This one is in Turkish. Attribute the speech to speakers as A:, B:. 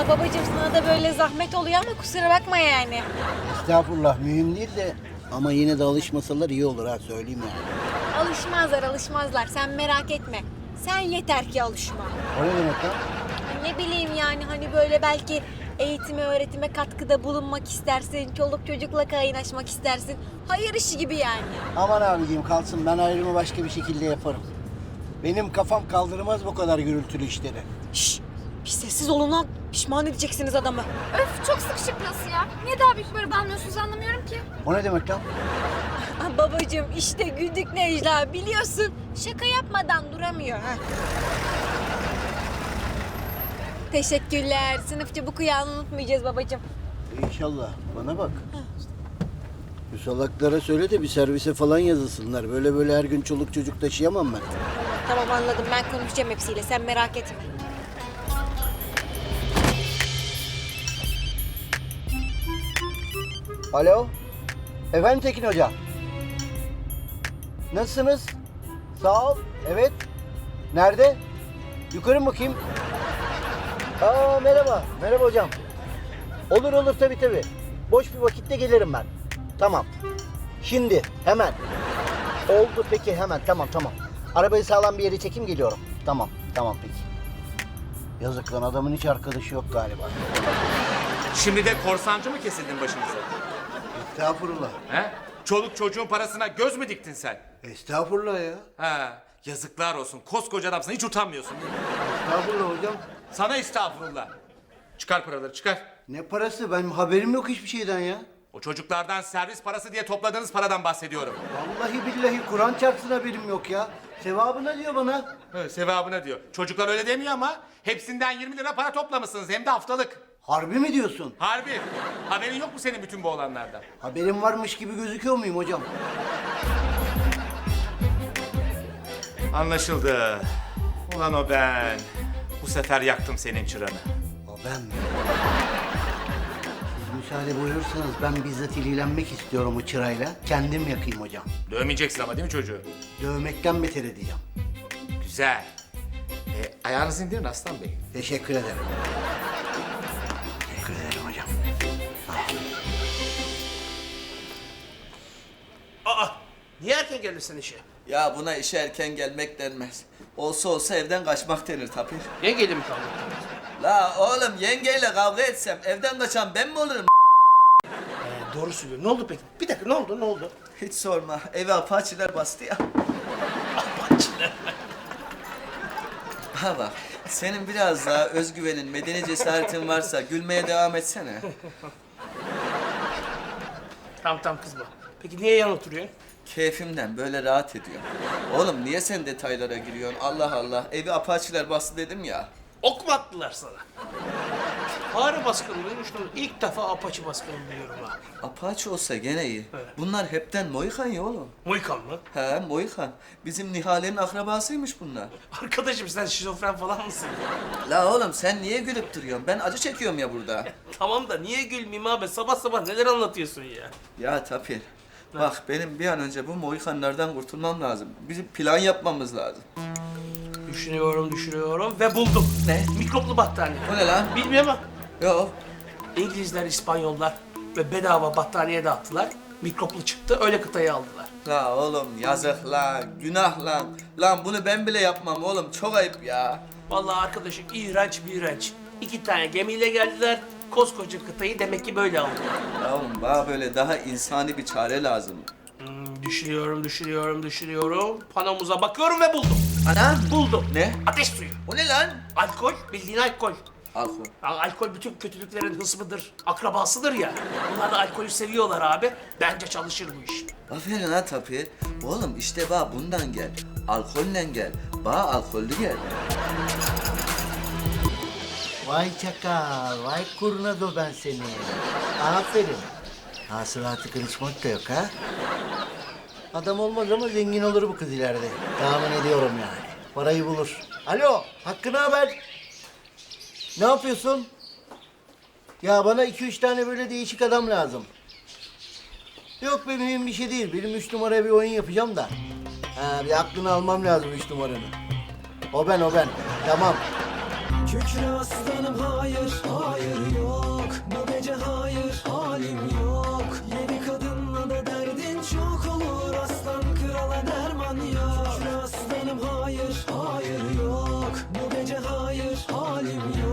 A: Vallahi babacığım sana da böyle zahmet oluyor ama kusura bakma yani.
B: Estağfurullah, mühim değil de ama yine de alışmasalar iyi olur ha, söyleyeyim yani.
A: Alışmazlar sen merak etme. Sen yeter ki alışma.
B: O ne demek lan?
A: Ne bileyim yani hani böyle belki eğitime öğretime katkıda bulunmak istersin. Çoluk çocukla kaynaşmak istersin. Hayır işi gibi yani.
B: Aman abiciğim kalsın, ben ayrımı başka bir şekilde yaparım. Benim kafam kaldırmaz bu kadar gürültülü işleri.
A: Şşş bir sessiz olun lan. Pişman edeceksiniz adamı.
C: Öf çok sıkışık burası ya. Niye daha büyük böyle almıyorsunuz anlamıyorum ki.
B: O ne demek lan?
A: Ah, babacığım işte güldük Necla biliyorsun. Şaka yapmadan duramıyor. Ha. Teşekkürler. Sınıfça bu kıyağını unutmayacağız babacığım.
B: İnşallah. Bana bak. Bu salaklara söyle de bir servise falan yazılsınlar. Böyle her gün çoluk çocuk taşıyamam ben.
A: Tamam anladım ben konuşacağım hepsiyle sen merak etme.
B: Alo. Efendim Tekin Hoca. Nasılsınız? Sağ ol. Evet. Nerede? Yukarı mı bakayım? Aa merhaba. Merhaba hocam. Olur tabii. Boş bir vakitte gelirim ben. Tamam. Şimdi hemen. Oldu peki hemen tamam. Arabayı sağlam bir yere çekeyim geliyorum. Tamam peki. Yazık lan adamın hiç arkadaşı yok galiba.
D: Şimdi de korsancı mı kesildin başımıza?
B: Estağfurullah.
D: He? Çoluk çocuğun parasına göz mü diktin sen?
B: Estağfurullah ya.
D: Ha, yazıklar olsun. Koskoca adamsın. Hiç utanmıyorsun değil mi?
B: Estağfurullah hocam.
D: Sana estağfurullah. Çıkar paraları çıkar.
B: Ne parası? Benim haberim yok hiçbir şeyden ya.
D: O çocuklardan servis parası diye topladığınız paradan bahsediyorum.
B: Vallahi billahi Kur'an çarpsın haberim yok ya. Sevabına diyor bana.
D: He, sevabına diyor. Çocuklar öyle demiyor ama hepsinden 20 lira para toplamışsınız. Hem de haftalık.
B: Harbi mi diyorsun?
D: Harbi. Haberin yok mu senin bütün bu olanlardan?
B: Haberim varmış gibi gözüküyor muyum hocam?
D: Anlaşıldı. Ulan o ben. Bu sefer yaktım senin çıranı.
B: O ben mi? Siz müsaade buyurursanız ben bizzat ilgilenmek istiyorum o çırayla. Kendim yakayım hocam.
D: Dövmeyeceksin ama değil mi çocuğu?
B: Dövmekten beter edeceğim.
D: Güzel. Ayağınızı indirin Aslan Bey.
B: Teşekkür ederim. Teşekkür ederim hocam.
E: Aa, niye erken gelirsin işe?
F: Ya buna işe erken gelmek denmez. Olsa evden kaçmak denir Tapir.
E: Yengeyle mi kaldın?
F: La oğlum yengeyle kavga etsem evden kaçan ben mi olurum?
E: Doğru söylüyor. Ne oldu peki? Bir dakika ne oldu?
F: Hiç sorma. Eve apaçiler bastı ya.
E: Apaçiler.
F: Ha bak. Senin biraz daha özgüvenin, medeni cesaretin varsa gülmeye devam etsene.
E: Tamam kızma. Peki niye yan oturuyorsun?
F: Keyfimden böyle rahat ediyor. Oğlum niye sen detaylara giriyorsun? Allah Allah. Evi apaçiler bastı dedim ya.
E: Ok mu attılar sana? Fare baskını duymuştum. İlk defa apaçi baskını duyuyorum ha.
F: Apaçi olsa gene iyi.
E: Evet.
F: Bunlar hepten Mohikan ya oğlum.
E: Mohikan mı?
F: He Mohikan. Bizim Nihale'nin akrabasıymış bunlar.
E: Arkadaşım sen şizofren falan mısın?
F: La oğlum sen niye gülüp duruyorsun? Ben acı çekiyorum ya burada.
E: Tamam da niye gülmeyeyim abi? Sabah neler anlatıyorsun ya?
F: Ya Tapir, bak benim bir an önce bu Mohikanlardan kurtulmam lazım. Bizim plan yapmamız lazım.
E: Düşünüyorum ve buldum.
F: Ne?
E: Mikroplu battaniye.
F: O ne lan?
E: Bilmiyorum ama
F: Yok.
E: İngilizler, İspanyollar ve bedava battaniye dağıttılar. Mikroplu çıktı, öyle kıtayı aldılar.
F: La oğlum yazık lan, günah lan. Lan bunu ben bile yapmam oğlum, çok ayıp ya.
E: Vallahi arkadaşım iğrenç. 2 tane gemiyle geldiler. Koskoca kıtayı demek ki böyle aldılar.
F: La oğlum bana böyle daha insani bir çare lazım.
E: Düşünüyorum. Panomuza bakıyorum ve buldum.
F: Ana!
E: Buldum.
F: Ne?
E: Ateş suyu.
F: O ne lan?
E: Alkol, bildiğin alkol.
F: Alkol.
E: Ya, alkol bütün kötülüklerin hısmıdır, akrabasıdır ya. Bunlar da alkolü seviyorlar abi. Bence çalışır bu iş.
F: Aferin ha Tapir. Oğlum işte bana bundan gel. Alkolle gel. Bana alkollü gel.
B: Vay çakal, vay kurnado ben seni. Aferin. Hasılatı kırışmak da yok ha. Adam olmaz ama zengin olur bu kız ileride. Tahmin ediyorum yani. Parayı bulur. Alo, Hakkı ne haber? Ne yapıyorsun? Ya bana 2-3 tane böyle değişik adam lazım. Yok be mühim bir şey değil. Benim 3 numaraya bir oyun yapacağım da. Ha, bir aklını almam lazım 3 numaranı. O ben. Tamam.
G: Kükre aslanım hayır, hayır yok. Bu gece hayır, halim yok. Yedi kadınla da derdin çok olur. Aslan krala derman yok. Kükre aslanım hayır, hayır yok. Bu gece hayır, halim yok.